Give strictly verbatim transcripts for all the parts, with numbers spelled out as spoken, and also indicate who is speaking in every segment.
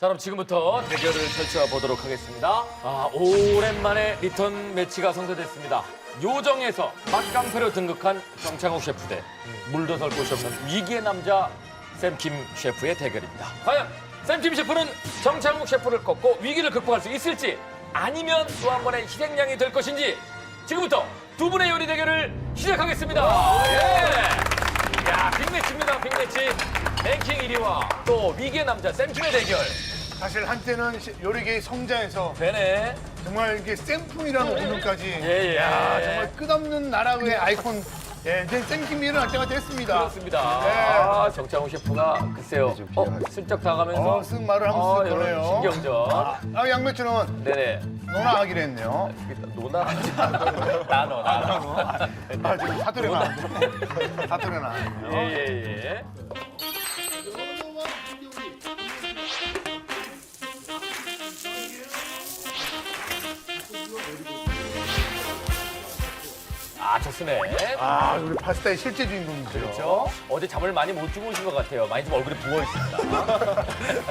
Speaker 1: 자, 그럼 지금부터 대결을 펼쳐 보도록 하겠습니다. 아, 오랜만에 리턴 매치가 성사됐습니다. 요정에서 맛깡패로 등극한 정창욱 셰프 대 물도설 곳이 없는 위기의 남자 샘킴 셰프의 대결입니다. 과연 샘킴 셰프는 정창욱 셰프를 꺾고 위기를 극복할 수 있을지 아니면 또 한 번의 희생양이 될 것인지 지금부터 두 분의 요리 대결을 시작하겠습니다. 예! 야, 빅매치입니다, 빅매치. 랭킹 일 위와 또 위기의 남자 샘킴의 대결.
Speaker 2: 사실 한때는 시- 요리계의 성자에서
Speaker 1: 되네.
Speaker 2: 정말 이게 샘풍이라는 오늘까지
Speaker 1: 예, 예.
Speaker 2: 야, 정말 끝없는 나라의 아이콘 예, 이제 샘킴이 일어날 때가 됐습니다.
Speaker 1: 그렇습니다.
Speaker 2: 네.
Speaker 1: 아, 정창욱 셰프가 글쎄요. 어, 슬쩍 다가면서
Speaker 2: 어, 쓱 말을 한번
Speaker 1: 아,
Speaker 2: 쓱
Speaker 1: 이런
Speaker 2: 꺼내요.
Speaker 1: 신경전.
Speaker 2: 아, 양배추는
Speaker 1: 네네.
Speaker 2: 논아하기로 했네요.
Speaker 1: 노나 나눠 나눠.
Speaker 2: 아, 지금 사투리 나왔네. 사투리 나왔네요.
Speaker 1: 예예예. 예. 아, 좋으네.
Speaker 2: 아, 우리 파스타의 실제 주인공이죠.
Speaker 1: 그렇죠? 어제 잠을 많이 못 주무신 것 같아요. 많이 좀 얼굴이 부어 있습니다.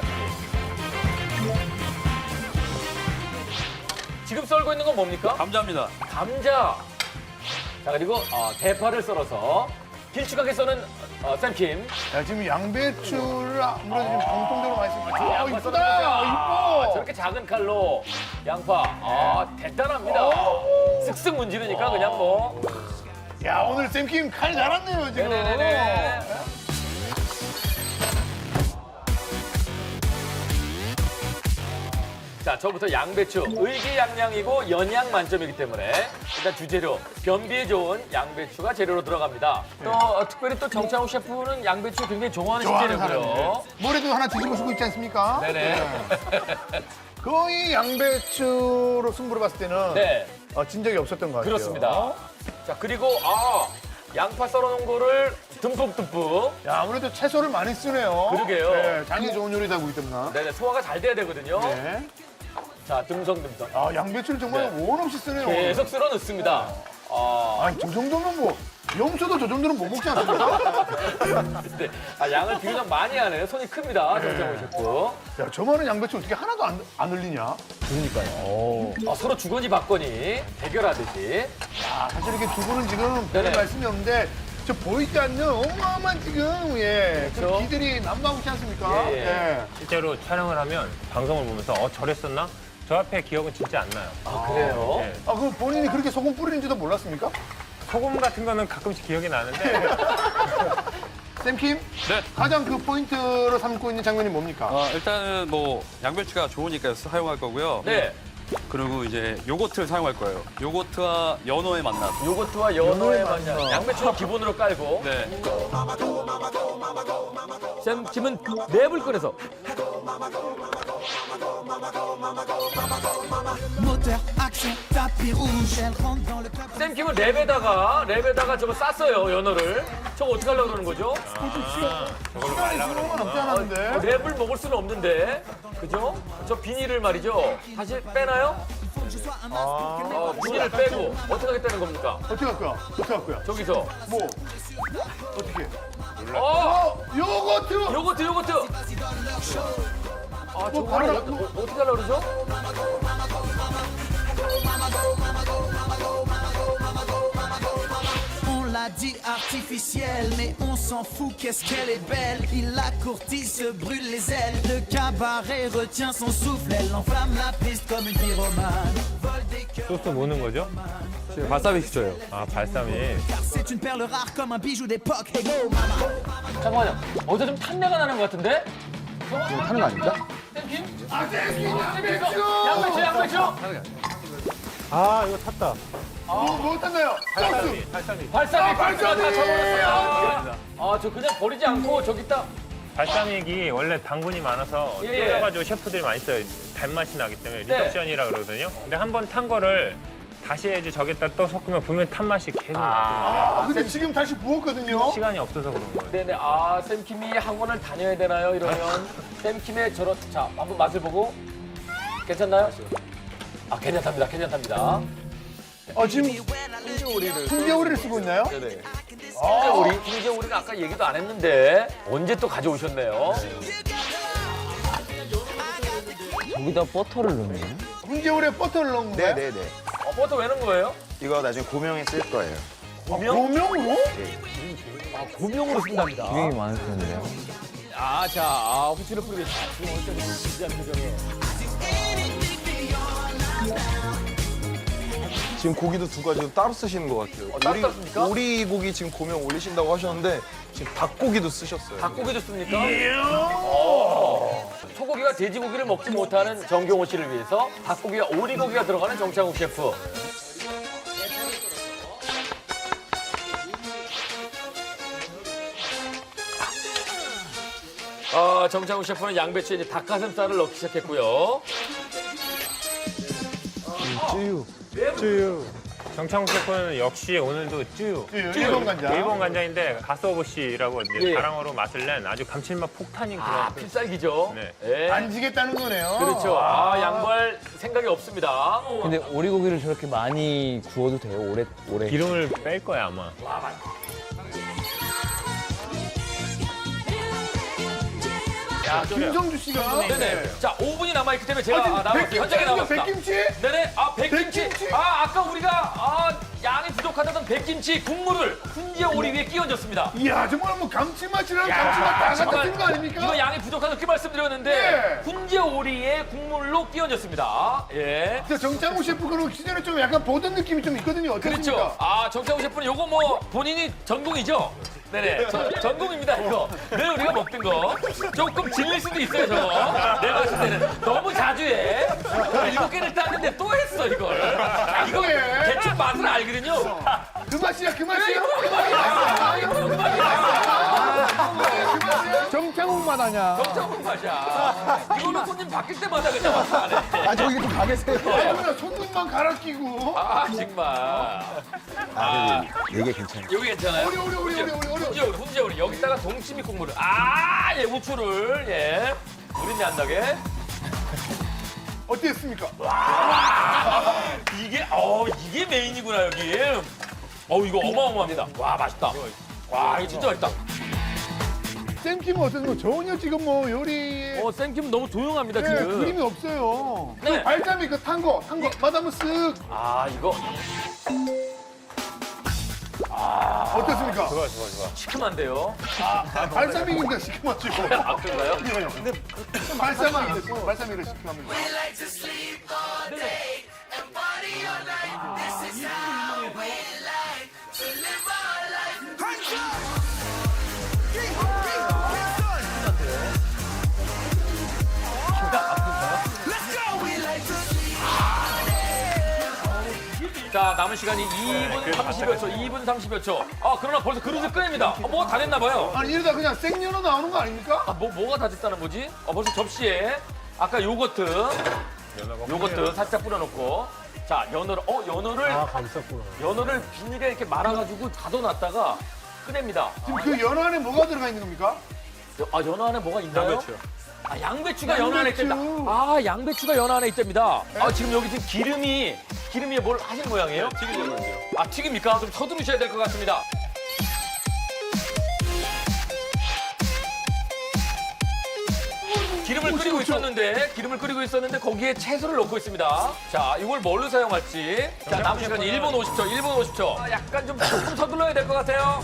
Speaker 1: 지금 썰고 있는 건 뭡니까?
Speaker 3: 감자입니다.
Speaker 1: 감자. 자, 그리고 어, 대파를 썰어서 길쭉하게 써는 어, 샘킴.
Speaker 2: 야, 지금 양배추를 아무래도 지금 공통적으로 많이 쓰고 아,
Speaker 1: 양파
Speaker 2: 이쁘다.
Speaker 1: 썰어서. 아,
Speaker 2: 이뻐.
Speaker 1: 저렇게 작은 칼로 양파. 아, 대단합니다. 쓱쓱 문지르니까 그냥 뭐.
Speaker 2: 야, 오늘 샘킴 칼 잘았네요, 지금.
Speaker 1: 네네네네. 자, 저부터 양배추. 의기양양이고 연양 만점이기 때문에 일단 주재료 변비에 좋은 양배추가 재료로 들어갑니다. 또 어, 특별히 또 정창욱 셰프는 양배추 굉장히 좋아하는
Speaker 2: 좋아하는
Speaker 1: 식재료고요.
Speaker 2: 사람인데. 모래도 하나 뒤집어 쓰고 있지 않습니까?
Speaker 1: 네네.
Speaker 2: 거의 양배추로 승부를 봤을 때는
Speaker 1: 네,
Speaker 2: 어, 진 적이 없었던 것 같아요.
Speaker 1: 그렇습니다. 자, 그리고 아, 양파 썰어놓은 거를 듬뿍듬뿍.
Speaker 2: 야, 아무래도 채소를 많이 쓰네요.
Speaker 1: 그러게요.
Speaker 2: 네, 장이 좋은 요리다 보기 때문에.
Speaker 1: 네네, 소화가 잘 돼야 되거든요.
Speaker 2: 네.
Speaker 1: 자, 듬성듬성.
Speaker 2: 아, 양배추를 정말
Speaker 1: 네.
Speaker 2: 원 없이 쓰네요.
Speaker 1: 계속 쓸어 넣습니다. 아,
Speaker 2: 아니, 저 정도면 뭐, 염소도 저 정도는 못 먹지 않습니까?
Speaker 1: 네. 아, 양을 비교적 많이 하네요. 손이 큽니다, 정창호 셰프.
Speaker 2: 야, 저 많은 양배추 어떻게 하나도 안, 안 흘리냐?
Speaker 1: 아, 서로 주거니 받거니 대결하듯이.
Speaker 2: 아, 사실 이렇게 두 분은 지금 별
Speaker 1: 네네.
Speaker 2: 말씀이 없는데, 저 보이지 않는 어마어마한 지금, 예,
Speaker 1: 그렇죠.
Speaker 2: 그 기들이 난무하고 있지 않습니까?
Speaker 1: 예, 예.
Speaker 2: 예.
Speaker 4: 실제로 촬영을 하면 방송을 보면서 어 저랬었나? 저 앞에 기억은 진짜 안 나요.
Speaker 1: 아, 그래요?
Speaker 4: 네.
Speaker 2: 아, 그럼 본인이 그렇게 소금 뿌리는지도 몰랐습니까?
Speaker 4: 소금 같은 거는 가끔씩 기억이 나는데
Speaker 2: 샘킴?
Speaker 3: 네.
Speaker 2: 가장 그 포인트로 삼고 있는 장면이 뭡니까?
Speaker 3: 어, 일단은 뭐 양배추가 좋으니까 사용할 거고요.
Speaker 1: 네.
Speaker 3: 그리고 이제 요거트를 사용할 거예요. 요거트와 연어의 만남.
Speaker 1: 요거트와 연어의
Speaker 2: 연어의
Speaker 1: 만남.
Speaker 2: 만남.
Speaker 1: 양배추는 기본으로 깔고.
Speaker 3: 네.
Speaker 1: 샘킴은 랩을 꺼내서.
Speaker 5: Moteur, action, tapis rouge, elle rentre dans le club.
Speaker 1: 샘킴은 랩에다가, 랩에다가 저거 쌌어요, 연어를. 저거 어떻게 하려고 그러는 거죠?
Speaker 2: 시간이 수고만 없지 않았는데.
Speaker 1: 어, 랩을 먹을 수는 없는데. 그죠? 저 비닐을 말이죠. 다시 빼나요? 어, 비닐을 빼고. 어떻게 하겠다는 겁니까?
Speaker 2: 어떻게 할 거야? 어떻게 할 거야?
Speaker 1: 저기서.
Speaker 2: 뭐? 어떻게?
Speaker 1: 어!
Speaker 2: 어, 요거트!
Speaker 1: 요거트, 요거트! 아, 저거
Speaker 2: 바로
Speaker 1: 어, 어, 어떻게 하려고 그러죠?
Speaker 5: On l'a dit artificielle, mais on s'en fout, qu'est-ce qu'elle est belle. Il la courtise, se brûle les ailes. Le cabaret retient son souffle, elle enflamme la piste comme une pyromane. Vole des cœurs,
Speaker 4: 소스 뭐는 거죠?
Speaker 3: 바사비 시켜요.
Speaker 4: 아 발사믹.
Speaker 5: car c'est une perle rare comme un bijou d'époque. Hey go, mama.
Speaker 1: 잠깐만요. 어디서 좀 탄내가 나는 것 같은데?
Speaker 2: 하는 거 아닙니까?
Speaker 1: 샘킴? 아, 샘킴! 양배추, 양배추!
Speaker 4: 아 이거 탔다.
Speaker 2: 뭐, 뭐 탔나요? 소스!
Speaker 4: 발사믹.
Speaker 1: 발사믹, 발사믹 다
Speaker 2: 발사믹!
Speaker 1: 쳐버렸어요. 아, 저 그냥 버리지 않고 저기 딱.
Speaker 4: 발사믹이 원래 당분이 많아서
Speaker 1: 예, 예.
Speaker 4: 끓여가지고 셰프들이 많이 써요. 단맛이 나기 때문에
Speaker 1: 네.
Speaker 4: 리덕션이라 그러거든요. 근데 한 번 탄 거를 다시 해야지 저기다 또 섞으면 분명 탄 맛이 계속 나거든요.
Speaker 2: 아, 근데 지금 다시 부었거든요?
Speaker 4: 시간이 없어서 그런 거예요.
Speaker 1: 네네. 아, 샘킴이 학원을 다녀야 되나요? 이러면. 샘킴의 저런. 자, 한번 맛을 보고. 괜찮나요? 아, 괜찮답니다. 괜찮답니다.
Speaker 2: 어, 지금 훈계오리를 쓰고 있나요?
Speaker 1: 네네. 아, 우리 김재 우리는 아까 얘기도 안 했는데 언제 또 가져오셨네요.
Speaker 6: 거기다 버터를 넣네요.
Speaker 2: 훈제오래 버터를 넣은 거야?
Speaker 7: 네네네.
Speaker 1: 어, 버터 왜 넣은 거예요?
Speaker 7: 이거 나중에 고명에 쓸 거예요.
Speaker 2: 고명으로?
Speaker 1: 아, 고명으로 쓴답니다.
Speaker 6: 기름이 많을 텐데요.
Speaker 1: 아, 자, 아, 후추를 뿌리겠습니다. 지금 어쩔 수 없이 진지한 표정에.
Speaker 8: 지금 고기도 두 가지 따로 쓰시는 것 같아요.
Speaker 1: 어, 따로 땄습니까?
Speaker 8: 오리 고기 지금 고명 올리신다고 하셨는데 지금 닭고기도 쓰셨어요.
Speaker 1: 닭고기도 씁니까? 어. 소고기가 돼지고기를 먹지 못하는 정경호 씨를 위해서 닭고기와 오리고기가 들어가는 정창욱 셰프. 아, 정창욱 셰프는 양배추에 이제 닭가슴살을 넣기 시작했고요.
Speaker 8: 찌유, 찌유.
Speaker 4: 정창욱 셰프는 역시 오늘도 쭈.
Speaker 2: 일본 간장.
Speaker 4: 일본 간장인데 가스오부시라고 이제
Speaker 1: 예.
Speaker 4: 자랑어로 맛을 낸 아주 감칠맛 폭탄이
Speaker 1: 아,
Speaker 4: 들어간
Speaker 1: 필살기죠.
Speaker 4: 네.
Speaker 1: 예.
Speaker 2: 안 지겠다는 거네요.
Speaker 1: 그렇죠. 아, 양보할 생각이 없습니다.
Speaker 6: 근데 오리고기를 저렇게 많이 구워도 돼요? 오래 오래.
Speaker 4: 기름을 뺄 거야 아마.
Speaker 1: 야,
Speaker 2: 김성주 씨가.
Speaker 1: 네네. 자, 오 분이 남아있기 때문에 제가
Speaker 2: 아, 지금
Speaker 1: 아, 나왔어요. 현장에
Speaker 2: 백김치,
Speaker 1: 나왔습니다.
Speaker 2: 백김치?
Speaker 1: 네네. 아, 백김치.
Speaker 2: 백김치?
Speaker 1: 아, 아까 우리가 아, 양이 부족하다던 백김치 국물을 훈제 오리 위에 끼 얹었습니다.
Speaker 2: 이야, 정말 뭐 감칠맛이랑 감칠맛 다
Speaker 1: 정말
Speaker 2: 같은 거 아닙니까?
Speaker 1: 이거 양이 부족하다고 그렇게 말씀드렸는데
Speaker 2: 네.
Speaker 1: 훈제 오리에 국물로 끼 얹었습니다. 예.
Speaker 2: 진짜 정창욱 셰프 그럼 시즌에 좀 약간 보던 느낌이 좀 있거든요. 어떻습니까?
Speaker 1: 그렇죠. 아, 정창우 셰프는 요거 뭐 본인이 전공이죠? 네네. 저- 전공입니다, 이거. 늘 우리가 먹던 거. 조금 질릴 수도 있어요, 저거. 내가 봤을 때는. 너무 자주 해. 일곱 개를 땄는데 또 했어, 이걸. 자, 이거
Speaker 2: 해.
Speaker 1: 대충 맛을 알거든요.
Speaker 2: 그 맛이야, 그 맛이야.
Speaker 1: 이거 그만이야. 이거 그만이야.
Speaker 2: 정창욱 맛 아니야.
Speaker 1: 정창우 맛이야. 이거는 손님 바뀔 때마다 그냥 맛을 안 해.
Speaker 2: 아, 저기 좀 가게세요. 그냥 손님만 갈아 끼고.
Speaker 1: 아, 정말. 아,
Speaker 7: 이게 괜찮아요.
Speaker 1: 여기 괜찮아요?
Speaker 2: 우리, 우리, 우리, 우리, 우리, 우리.
Speaker 1: 훈제오리, 훈제오리. 여기다가 동치미 국물을. 아, 예, 우추를. 예. 우린내 안 나게.
Speaker 2: 어땠습니까?
Speaker 1: 이게, 어, 이게 메인이구나, 여기. 어, 이거 어마어마합니다. 와, 맛있다. 와, 이거 진짜 맛있다.
Speaker 2: 쌤킴은 어땠습니까? 전혀 지금 뭐 요리에
Speaker 1: 어, 쌤김 너무 조용합니다,
Speaker 2: 네,
Speaker 1: 지금.
Speaker 2: 그림이 없어요.
Speaker 1: 네.
Speaker 2: 그 발자미 그 탄 거, 탄 거. 맛 한번 쓱.
Speaker 1: 아, 이거
Speaker 2: 어땠습니까?
Speaker 4: 좋아 좋아 좋아.
Speaker 1: 시큼한데요?
Speaker 2: 발사믹인데 시큼하지고.
Speaker 1: 아, 그런가요?
Speaker 2: 근데 발사믹인데 발사믹을 시큼합니다.
Speaker 1: 자, 남은 시간이 이 분 삼십여 초, 이 분 삼십여 초. 아, 그러나 벌써 그릇을 꺼냅니다. 어, 뭐가 다 됐나 봐요.
Speaker 2: 아니 이러다 그냥 생연어 나오는 거 아닙니까?
Speaker 1: 아, 뭐, 뭐가 다 됐다는 거지? 어, 벌써 접시에 아까 요거트, 요거트 살짝 뿌려놓고. 자, 연어를, 어, 연어를. 아, 연어를 비닐에 이렇게 말아가지고 가둬놨다가 꺼냅니다.
Speaker 2: 지금 그 연어 안에 뭐가 들어가 있는 겁니까?
Speaker 1: 여- 아, 연어 안에 뭐가 있나요?
Speaker 4: 양배추요.
Speaker 1: 아, 양배추가 연어 안에
Speaker 2: 양배추.
Speaker 1: 있답니다. 아, 양배추가 연어 안에 있답니다. 아, 지금 여기 지금 기름이, 기름이 뭘 하신 모양이에요?
Speaker 3: 튀기려고 하죠.
Speaker 1: 아, 튀깁니까? 좀 서두르셔야 될 것 같습니다. 기름을 끓이고 있었는데, 기름을 끓이고 있었는데 거기에 채소를 넣고 있습니다. 자, 이걸 뭘로 사용할지. 자, 남은 시간 일 분 오십 초, 일 분 오십 초. 아, 약간 좀 조금 서둘러야 될 것 같아요.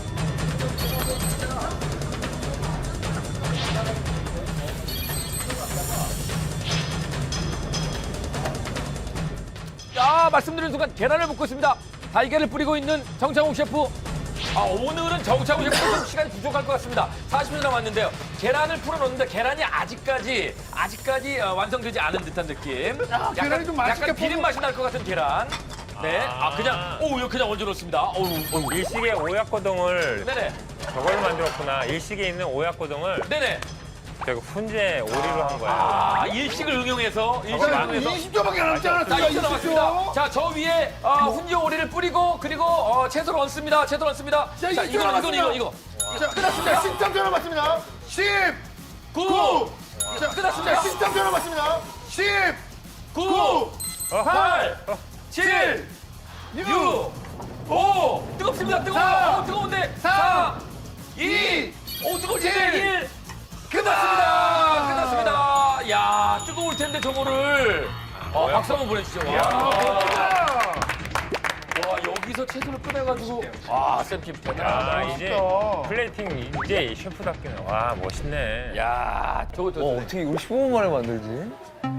Speaker 1: 자, 말씀드린 순간 계란을 붓고 있습니다. 달걀을 뿌리고 있는 정창욱 셰프. 아, 오늘은 정창욱 셰프 좀 시간이 부족할 것 같습니다. 사십 분 남았는데요. 계란을 풀어놓는데 계란이 아직까지 아직까지 어, 완성되지 않은 듯한 느낌.
Speaker 2: 야, 계란이 좀 맛있게
Speaker 1: 약간 비린
Speaker 2: 볶은-
Speaker 1: 맛이 날 것 같은 계란. 네, 아, 그냥 오, 이거 그냥 얹어 놓습니다. 어우, 어우.
Speaker 4: 일식의 오약고동을
Speaker 1: 네네,
Speaker 4: 저걸로 만들었구나. 일식에 있는 오약고동을
Speaker 1: 네네.
Speaker 4: 제가 훈제 오리로 한 거야.
Speaker 1: 아, 일식을 응용해서 일식을 응용해서.
Speaker 2: 이십 초밖에 안 남지 않았어요.
Speaker 1: 자, 이제 남았습니다. 자, 저 위에 어, 훈제 오리를 뿌리고 그리고 어, 채소를 얹습니다. 채소를 얹습니다.
Speaker 2: 자,
Speaker 1: 자,
Speaker 2: 이제
Speaker 1: 이거 이거
Speaker 2: 남았습니다.
Speaker 1: 이거 이거.
Speaker 2: 자, 끝났습니다. 십 점 전화 받습니다. 십,
Speaker 1: 구,
Speaker 2: 구. 자,
Speaker 1: 끝났습니다.
Speaker 2: 자, 십 점 전화 받습니다. 십,
Speaker 1: 구,
Speaker 2: 구,
Speaker 1: 팔, 칠,
Speaker 2: 육,
Speaker 1: 육, 오, 뜨겁습니다. 뜨거워.
Speaker 2: 사,
Speaker 1: 오, 뜨거운데.
Speaker 2: 삼,
Speaker 1: 사, 이, 오, 뜨거울 텐데.
Speaker 2: 일.
Speaker 1: 일. 끝났습니다. 끝났습니다. 야, 뜨거울 텐데. 텐데 저거를. 아, 박수 한번 보내주시죠. 와. 와, 여기서 채소를 꺼내가지고. 와, 쌤킴
Speaker 4: 아,
Speaker 1: 대단하다.
Speaker 4: 이제 플레이팅 이제 셰프답게는 와 멋있네.
Speaker 1: 야, 저거 저.
Speaker 6: 어, 어떻게 이걸 십오 분 만에 만들지?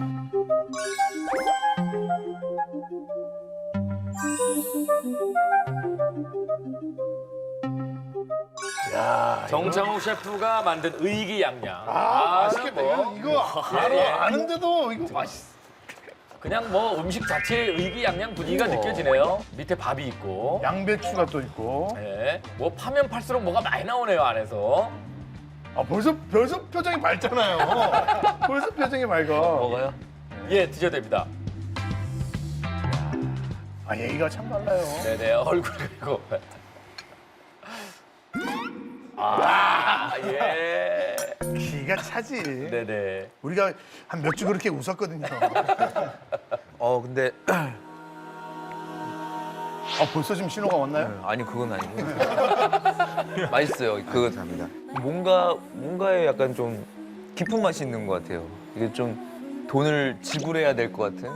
Speaker 1: 정창욱 셰프가 만든 의기양양.
Speaker 2: 아, 맛있겠다.
Speaker 1: 뭐,
Speaker 2: 이거, 이거 바로
Speaker 1: 예, 예.
Speaker 2: 아는데도 이거 맛있어.
Speaker 1: 그냥 뭐 음식 자체의 의기양양 분위기가 느껴지네요. 밑에 밥이 있고.
Speaker 2: 양배추가 또 있고.
Speaker 1: 네. 뭐 파면 팔수록 뭐가 많이 나오네요, 안에서.
Speaker 2: 아, 벌써, 벌써 표정이 밝잖아요. 벌써 표정이 밝아.
Speaker 6: 먹어요?
Speaker 1: 예, 드셔도 됩니다.
Speaker 2: 아, 얘기가 참 달라요.
Speaker 1: 네네, 얼굴 그리고. 아, 예.
Speaker 2: 기가 차지.
Speaker 1: 네네.
Speaker 2: 우리가 한 몇 주 그렇게 웃었거든요.
Speaker 6: 어, 근데
Speaker 2: 아, 벌써 지금 신호가 왔나요?
Speaker 6: 아니 그건 아니고 맛있어요. 그거
Speaker 7: 감사합니다.
Speaker 6: 뭔가 뭔가에 약간 좀 깊은 맛이 있는 것 같아요. 이게 좀 돈을 지불해야 될 것 같은.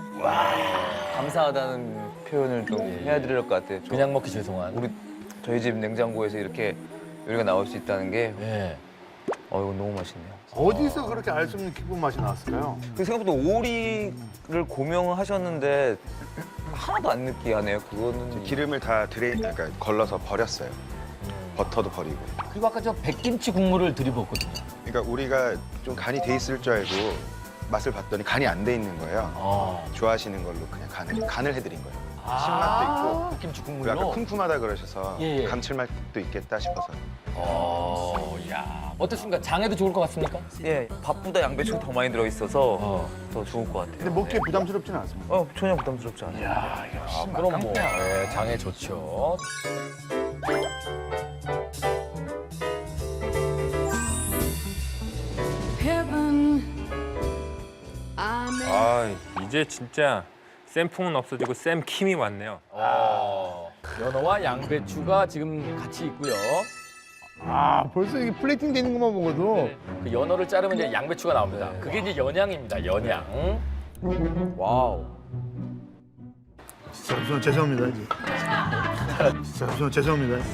Speaker 6: 감사하다는 표현을 좀 해야 될 것 같아요. 좀
Speaker 1: 그냥 먹기 죄송한.
Speaker 6: 우리 저희 집 냉장고에서 이렇게 요리가 나올 수 있다는 게
Speaker 1: 예.
Speaker 6: 어, 이거 너무 맛있네요.
Speaker 2: 어디서 그렇게 알 수 없는 기쁜 맛이 나왔을까요?
Speaker 6: 그 생각보다 오리를 고명하셨는데 하나도 안 느끼하네요. 그거는
Speaker 7: 기름을 다 드레인, 그러니까 걸러서 버렸어요. 버터도 버리고.
Speaker 1: 그리고 아까 저 백김치 국물을 들이붓거든요.
Speaker 7: 그러니까 우리가 좀 간이 돼 있을 줄 알고 맛을 봤더니 간이 안 돼 있는 거예요.
Speaker 1: 아.
Speaker 7: 좋아하시는 걸로 그냥 간을, 간을 해드린 거예요.
Speaker 1: 아,
Speaker 7: 신맛도 있고.
Speaker 1: 백김치
Speaker 7: 그리고 아까
Speaker 1: 국물로.
Speaker 7: 쿰쿰하다 그러셔서
Speaker 1: 예, 예.
Speaker 7: 감칠맛도 있겠다 싶어서.
Speaker 1: 어, 야. 어떻습니까? 장에도 좋을 것 같습니까?
Speaker 6: 예 밥보다 양배추가 더 많이 들어 있어서
Speaker 1: 어.
Speaker 6: 더 좋을 것 같아요.
Speaker 2: 근데 먹기에 부담스럽지는 않습니다.
Speaker 6: 어 전혀 부담스럽지 않아요.
Speaker 2: 야, 역시
Speaker 1: 아, 그럼 뭐.
Speaker 2: 맛깡패야.
Speaker 1: 예, 장에 좋죠.
Speaker 4: 아 이제 진짜 쌤풍은 없어지고 쌤킴이 왔네요.
Speaker 1: 어. 연어와 양배추가 지금 같이 있고요.
Speaker 2: 아, 벌써 이게 플레이팅 되는 것만 보고도
Speaker 1: 그 연어를 자르면 이제 양배추가 나옵니다. 그게 이제 연양입니다. 연양.
Speaker 6: 와우.
Speaker 2: 진짜 우선 죄송합니다. 이제. 진짜 우선 죄송합니다.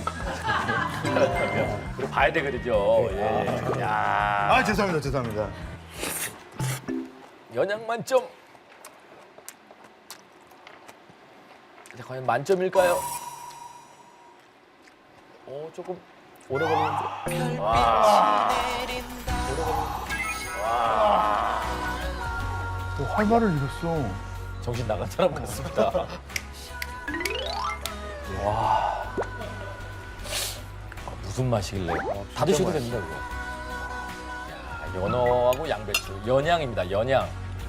Speaker 1: 그리고 봐야 되거든요. 예. 야.
Speaker 2: 아, 죄송합니다. 죄송합니다.
Speaker 1: 연양 만점. 자, 과연 만점일까요? 오, 조금 오래 걸리는데. 와.
Speaker 2: 또 활발을 잃었어.
Speaker 1: 정신 나간 사람 같습니다. 와. 아, 무슨 맛이길래? 다 드셔도 됩니다, 그거. 야, 연어하고 양배추. 연양입니다, 연양.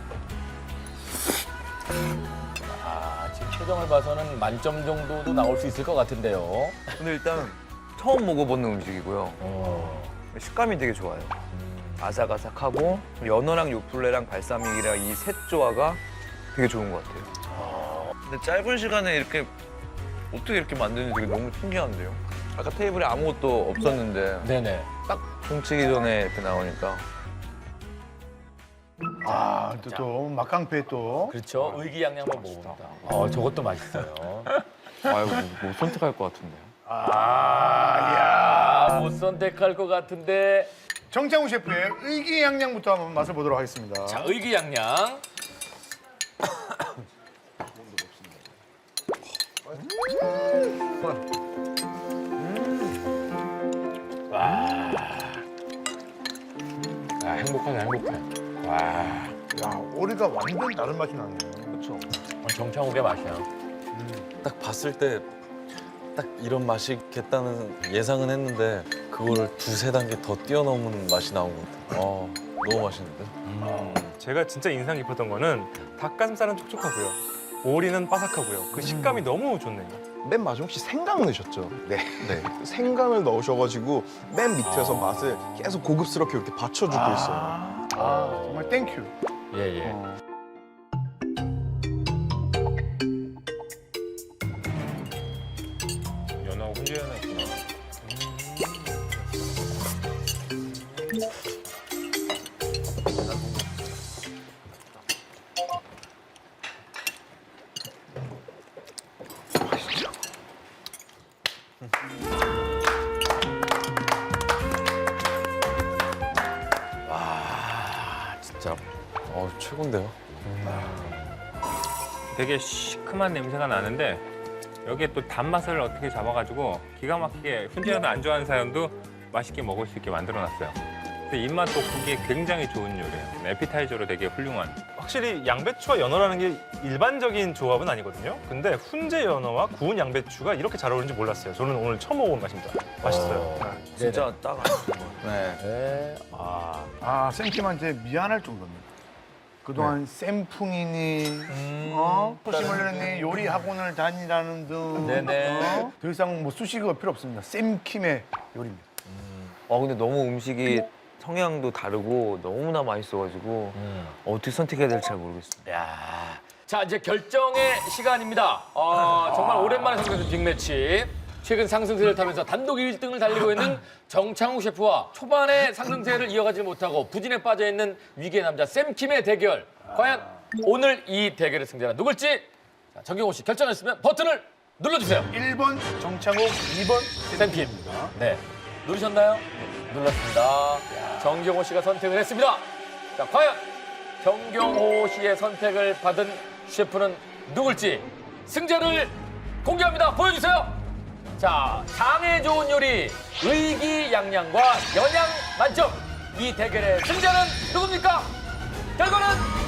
Speaker 1: 아, 지금 표정을 봐서는 만점 정도도 나올 수 있을 것 같은데요.
Speaker 6: 근데 일단 처음 먹어보는 음식이고요.
Speaker 1: 어.
Speaker 6: 식감이 되게 좋아요. 아삭아삭하고 연어랑 요플레랑 발사믹이랑 이 셋 조화가 되게 좋은 것 같아요. 근데 짧은 시간에 이렇게 어떻게 이렇게 만드는지 되게 너무 신기한데요. 아까 테이블에 아무것도 없었는데
Speaker 1: 네네.
Speaker 6: 딱 종치기 전에 이렇게 나오니까
Speaker 2: 아, 또, 또 막강패 또.
Speaker 1: 그렇죠. 의기양양 한번 먹어봅니다. 어, 저것도 맛있어요.
Speaker 3: 아이고 뭐 선택할 것 같은데요.
Speaker 1: 아, 못 선택할 것 같은데.
Speaker 2: 정창우 셰프의 의기양양부터 한번 맛을 보도록 하겠습니다.
Speaker 1: 자, 의기양양. 와. 아, 행복하다, 행복해. 와.
Speaker 2: 야, 오리가 완전 다른 맛이 나네요.
Speaker 6: 그렇죠.
Speaker 1: 정창욱의 맛이야.
Speaker 9: 딱 봤을 때 딱 이런 맛이겠다는 예상은 했는데 그거를 두세 단계 더 뛰어넘은 맛이 나온 것 같아요. 어, 너무 맛있는데?
Speaker 4: 제가 진짜 인상 깊었던 거는 닭가슴살은 촉촉하고요. 오리는 바삭하고요. 그 식감이 너무 좋네요.
Speaker 8: 맨 마지막 혹시 생강 넣으셨죠?
Speaker 7: 네.
Speaker 8: 네. 생강을 넣으셔가지고 맨 밑에서 맛을 계속 고급스럽게 이렇게 받쳐주고 있어요.
Speaker 2: 아, 정말 땡큐.
Speaker 1: 예, 예.
Speaker 4: 연어하고 훈제연어였구나.
Speaker 9: 어, 최고인데요.
Speaker 10: 되게 시큼한 냄새가 나는데 여기에 또 단맛을 어떻게 잡아가지고 기가 막히게 훈제라도 안 좋아하는 사람도 맛있게 먹을 수 있게 만들어놨어요. 근데 입맛 돋구기에 굉장히 좋은 요리예요. 에피타이저로 되게 훌륭한.
Speaker 4: 확실히 양배추와 연어라는 게 일반적인 조합은 아니거든요. 근데 훈제 연어와 구운 양배추가 이렇게 잘 어울리는지 몰랐어요. 저는 오늘 처음 먹어본 맛입니다. 맛있어요.
Speaker 6: 진짜 딱 알았어요.
Speaker 7: 네.
Speaker 1: 네. 아,
Speaker 2: 아, 쌤킴한테 미안할 정도입니다. 그동안 쌤풍이니, 어? 소심을려니 요리 학원을 다니라는 등,
Speaker 1: 네네.
Speaker 2: 어? 더 이상 뭐 수식어가 필요 없습니다. 쌤킴의 요리입니다.
Speaker 6: 어 근데 너무 음식이 성향도 다르고 너무나 맛있어가지고 어떻게 선택해야 될지 잘 모르겠어요.
Speaker 1: 야. 자, 이제 결정의 시간입니다. 어, 정말 오랜만에 성공된 빅매치. 최근 상승세를 타면서 단독 일 등을 달리고 있는 정창욱 셰프와 초반에 상승세를 이어가지 못하고 부진에 빠져있는 위기의 남자 쌤킴의 대결. 과연 오늘 이 대결의 승자는 누굴지 자, 정경호 씨 결정했으면 버튼을 눌러주세요.
Speaker 2: 일 번 정창욱, 이 번
Speaker 1: 쌤킴. 네. 누르셨나요? 눌렀습니다. 정경호 씨가 선택을 했습니다. 자, 과연 정경호 씨의 선택을 받은 셰프는 누굴지 승자를 공개합니다. 보여주세요. 자, 장에 좋은 요리, 의기양양과 영양 만점. 이 대결의 승자는 누굽니까? 결과는